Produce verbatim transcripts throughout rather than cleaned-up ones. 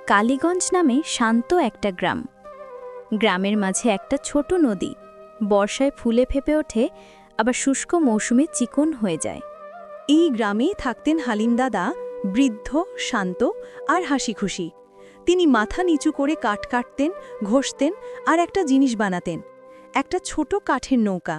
কালীগঞ্জ নামে শান্ত একটা গ্রাম। গ্রামের মাঝে একটা ছোট নদী বর্ষায় ফুলে ফেপে ওঠে, আবার শুষ্ক মৌসুমে চিকন হয়ে যায়। এই গ্রামেই থাকতেন হালিম দাদা, বৃদ্ধ, শান্ত আর হাসিখুশি। তিনি মাথা নিচু করে কাঠ কাটতেন, ঘষতেন আর একটা জিনিস বানাতেন, একটা ছোট কাঠের নৌকা।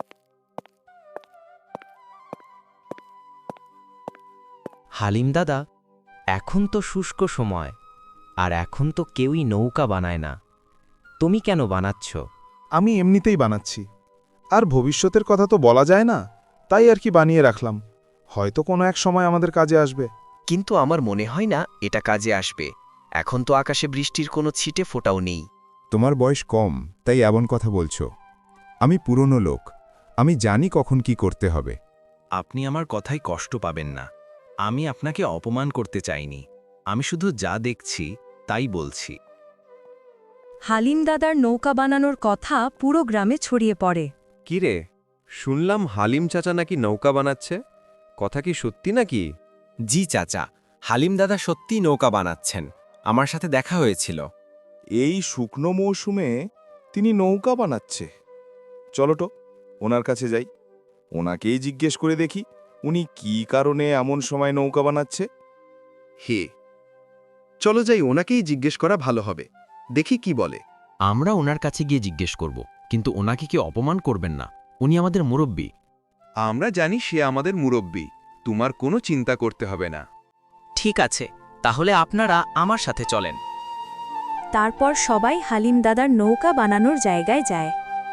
হালিম দাদা, এখন তো শুষ্ক সময়, আর এখন তো কেউই নৌকা বানায় না। তুমি কেন বানাচ্ছ? আমি এমনিতেই বানাচ্ছি, আর ভবিষ্যতের কথা তো বলা যায় না, তাই আর কি বানিয়ে রাখলাম। হয়তো কোনো এক সময় আমাদের কাজে আসবে। কিন্তু আমার মনে হয় না এটা কাজে আসবে। এখন তো আকাশে বৃষ্টির কোনো ছিটে ফোঁটাও নেই। তোমার বয়স কম, তাই এমন কথা বলছো। আমি পুরনো লোক, আমি জানি কখন কি করতে হবে। আপনি আমার কথায় কষ্ট পাবেন না। আমি আপনাকে অপমান করতে চাইনি, আমি শুধু যা দেখছি তাই বলছি। হালিম দাদার নৌকা বানানোর কথা পুরো গ্রামে ছড়িয়ে পড়ে। কিরে, শুনলাম হালিম চাচা নাকি নৌকা বানাচ্ছে, কথা কি সত্যি নাকি? জি চাচা, হালিম দাদা সত্যিই নৌকা বানাচ্ছেন, আমার সাথে দেখা হয়েছিল। এই শুকনো মৌসুমে তিনি নৌকা বানাচ্ছে। চলো তো ওনার কাছে যাই, ওনাকেই জিজ্ঞেস করে দেখি উনি কি কারণে এমন সময় নৌকা বানাচ্ছে। হে, চলো যাই, ওনাকেই জিজ্ঞেস করা ভালো হবে, দেখি কি বলে। আমরা ওনার কাছে গিয়ে জিজ্ঞেস করব, কিন্তু ওনাকে কি অপমান করবেন না? উনি আমাদের মুরব্বী। আমরা জানি সে আমাদের মুরব্বী, তোমার কোনো চিন্তা করতে হবে না। ঠিক আছে, তাহলে আপনারা আমার সাথে চলেন। তারপর সবাই হালিম দাদার নৌকা বানানোর জায়গায় যায়।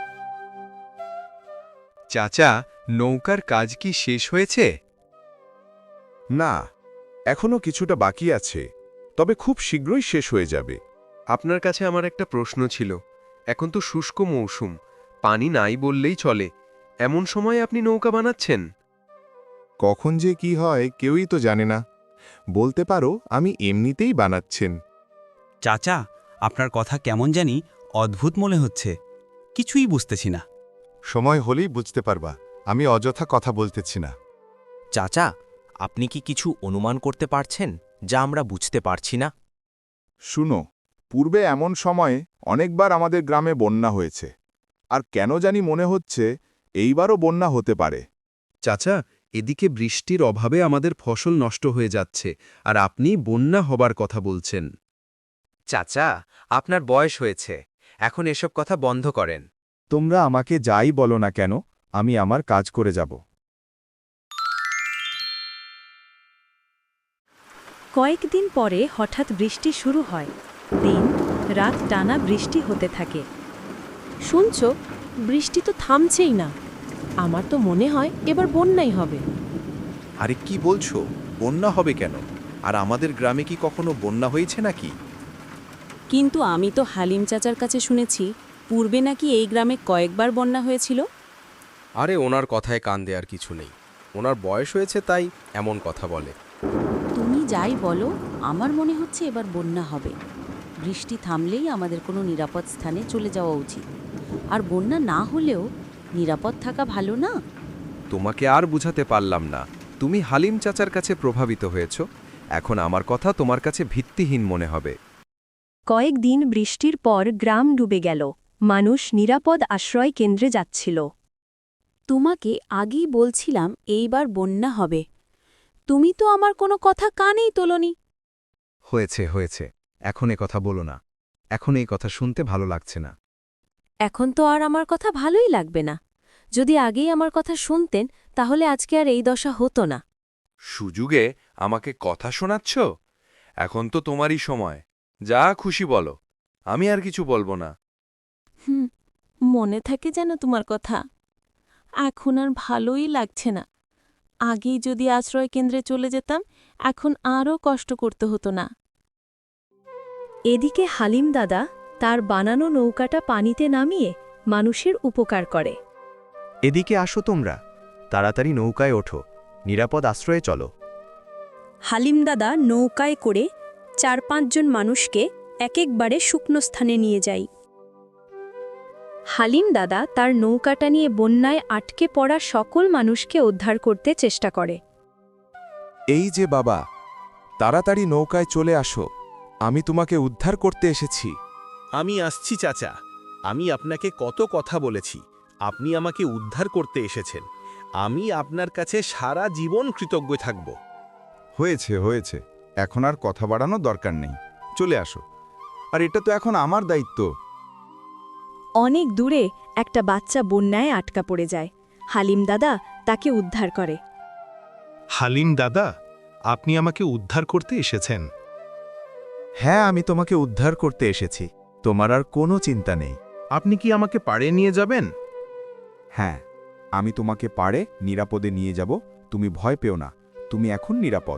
চাচা, নৌকার কাজ কি শেষ হয়েছে? না, এখনো কিছুটা বাকি আছে, তবে খুব শীঘ্রই শেষ হয়ে যাবে। আপনার কাছে আমার একটা প্রশ্ন ছিল। এখন তো শুষ্ক মৌসুম, পানি নাই বললেই চলে, এমন সময় আপনি নৌকা বানাচ্ছেন? কখন যে কি হয় কেউই তো জানে না। বলতে পারো আমি এমনিতেই বানাচ্ছেন। চাচা, আপনার কথা কেমন জানি অদ্ভুত মনে হচ্ছে, কিছুই বুঝতেছি না। সময় হলেই বুঝতে পারবা, আমি অযথা কথা বলতেছি না। চাচা, আপনি কি কিছু অনুমান করতে পারছেন যা আমরা বুঝতে পারছি না? শুনো, পূর্বে এমন সময়ে অনেকবার আমাদের গ্রামে বন্যা হয়েছে, আর কেন জানি মনে হচ্ছে এইবারও বন্যা হতে পারে। চাচা, এদিকে বৃষ্টির অভাবে আমাদের ফসল নষ্ট হয়ে যাচ্ছে, আর আপনি বন্যা হবার কথা বলছেন। চাচা, আপনার বয়স হয়েছে, এখন এসব কথা বন্ধ করেন। তোমরা আমাকে যাই বলো না কেন, আমি আমার কাজ করে যাব। কয়েকদিন পরে হঠাৎ বৃষ্টি শুরু হয়। দিন রাত টানা বৃষ্টি হতে থাকে। শুনছ, বৃষ্টি তো থামছেই না। আমার তো মনে হয় এবার বন্যাই হবে। আরে কি বলছো, বন্যা হবে কেন? আর আমাদের গ্রামে কি কখনো বন্যা হয়েছে নাকি? কিন্তু আমি তো হালিম চাচার কাছে শুনেছি পূর্বে নাকি এই গ্রামে কয়েকবার বন্যা হয়েছিল। আরে ওনার কথায় কান দেওয়ার কিছু নেই, ওনার বয়স হয়েছে তাই এমন কথা বলে। তুমি যাই বলো, আমার মনে হচ্ছে এবার বন্যা হবে। বৃষ্টি থামলেই আমাদের কোনো নিরাপদ স্থানে চলে যাওয়া উচিত। আর বন্যা না হলেও নিরাপদ থাকা ভালো না? তোমাকে আর বুঝাতে পারলাম না, তুমি হালিম চাচার কাছে প্রভাবিত হয়েছ, এখন আমার কথা তোমার কাছে ভিত্তিহীন মনে হবে। কয়েকদিন বৃষ্টির পর গ্রাম ডুবে গেল। মানুষ নিরাপদ আশ্রয় কেন্দ্রে যাচ্ছিল। তোমাকে আগেই বলছিলাম এইবার বন্যা হবে, তুমি তো আমার কোনো কথা কানেই তোলনি। হয়েছে হয়েছে, এখন এ কথা বলো না, এখন এই কথা শুনতে ভালো লাগছে না। এখন তো আর আমার কথা ভালোই লাগবে না। যদি আগেই আমার কথা শুনতেন তাহলে আজকে আর এই দশা হতো না। সুযোগে আমাকে কথা শোনাচ্ছ? এখন তো তোমারই সময়, যা খুশি বলো, আমি আর কিছু বলবো না। হুম, মনে থাকে যেন তোমার কথা। এখন আর ভালোই লাগছে না। আগেই যদি আশ্রয় কেন্দ্রে চলে যেতাম, এখন আরও কষ্ট করতে হতো না। এদিকে হালিম দাদা তার বানানো নৌকাটা পানিতে নামিয়ে মানুষের উপকার করে। এদিকে আসো তোমরা, তাড়াতাড়ি নৌকায় ওঠো, নিরাপদ আশ্রয়ে চলো। হালিম দাদা নৌকায় করে চার পাঁচজন মানুষকে এক একবারে শুকনো স্থানে নিয়ে যায়। হালিম দাদা তার নৌকাটা নিয়ে বন্যায় আটকে পড়া সকল মানুষকে উদ্ধার করতে চেষ্টা করে। এই যে বাবা, তাড়াতাড়ি নৌকায় চলে আসো, আমি তোমাকে উদ্ধার করতে এসেছি। আমি আসছি চাচা, আমি আপনাকে কত কথা বলেছি, আপনি আমাকে উদ্ধার করতে এসেছেন। আমি আপনার কাছে সারা জীবন কৃতজ্ঞ থাকব। হয়েছে হয়েছে, এখন আর কথা বাড়ানোর দরকার নেই, চলে আসো। আর এটা তো এখন আমার দায়িত্ব। অনেক দূরে একটা বাচ্চা বন্যায় আটকা পড়ে যায়। হালিম দাদা তাকে উদ্ধার করে। হালিম দাদা, আপনি আমাকে উদ্ধার করতে এসেছেন? হ্যাঁ, আমি তোমাকে উদ্ধার করতে এসেছি, তোমার আর কোনো চিন্তা নেই। আপনি কি আমাকে পাড়ে নিয়ে যাবেন? হ্যাঁ, আমি তোমাকে পাড়ে নিরাপদে নিয়ে যাব, তুমি ভয় পেও না, তুমি এখন নিরাপদ।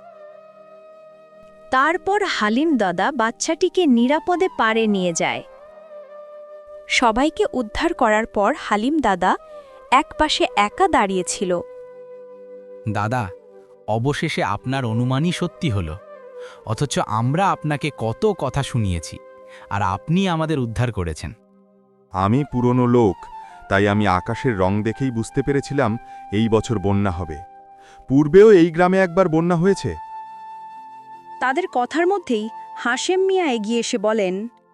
তারপর হালিম দাদা বাচ্চাটিকে নিরাপদে পাড়ে নিয়ে যায়। সবাইকে উদ্ধার করার পর হালিম দাদা একপাশে একা দাঁড়িয়েছিল। দাদা, অবশেষে আপনার অনুমানই সত্যি হলো। অথচ আমরা আপনাকে কত কথা শুনিয়েছি, আর আপনি আমাদের উদ্ধার করেছেন। আমি পুরনো লোক, তাই আমি আকাশের রং দেখেই বুঝতে পেরেছিলাম এই বছর বন্যা হবে। পূর্বেও এই গ্রামে একবার বন্যা হয়েছে। তাদের কথার মধ্যেই হাশেম মিয়া এগিয়ে এসে বলেন,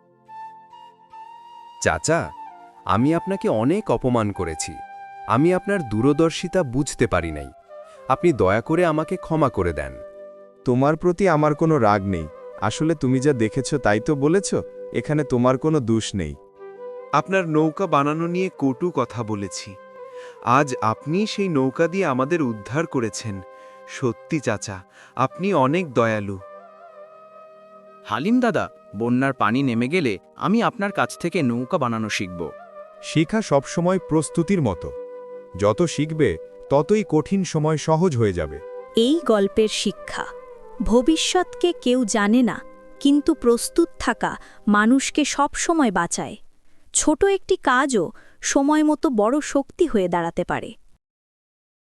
চাচা, আমি আপনাকে অনেক অপমান করেছি। আমি আপনার দূরদর্শিতা বুঝতে পারি নাই। আপনি দয়া করে আমাকে ক্ষমা করে দেন। তোমার প্রতি আমার কোনো রাগ নেই, আসলে তুমি যা দেখেছ তাই তো বলেছ, এখানে তোমার কোনো দোষ নেই। আপনার নৌকা বানানো নিয়ে কটু কথা বলেছি। আজ আপনি সেই নৌকা দিয়ে আমাদের উদ্ধার করেছেন। সত্যি চাচা, আপনি অনেক দয়ালু। হালিম দাদা, বন্যার পানি নেমে গেলে আমি আপনার কাছ থেকে নৌকা বানানো শিখব। শিখা সবসময় প্রস্তুতির মতো, যত শিখবে ততই কঠিন সময় সহজ হয়ে যাবে। এই গল্পের শিক্ষা, ভবিষ্যৎকে কেউ জানে না, কিন্তু প্রস্তুত থাকা মানুষকে সবসময় বাঁচায়। ছোট একটি কাজও সময় মতো বড় শক্তি হয়ে দাঁড়াতে পারে।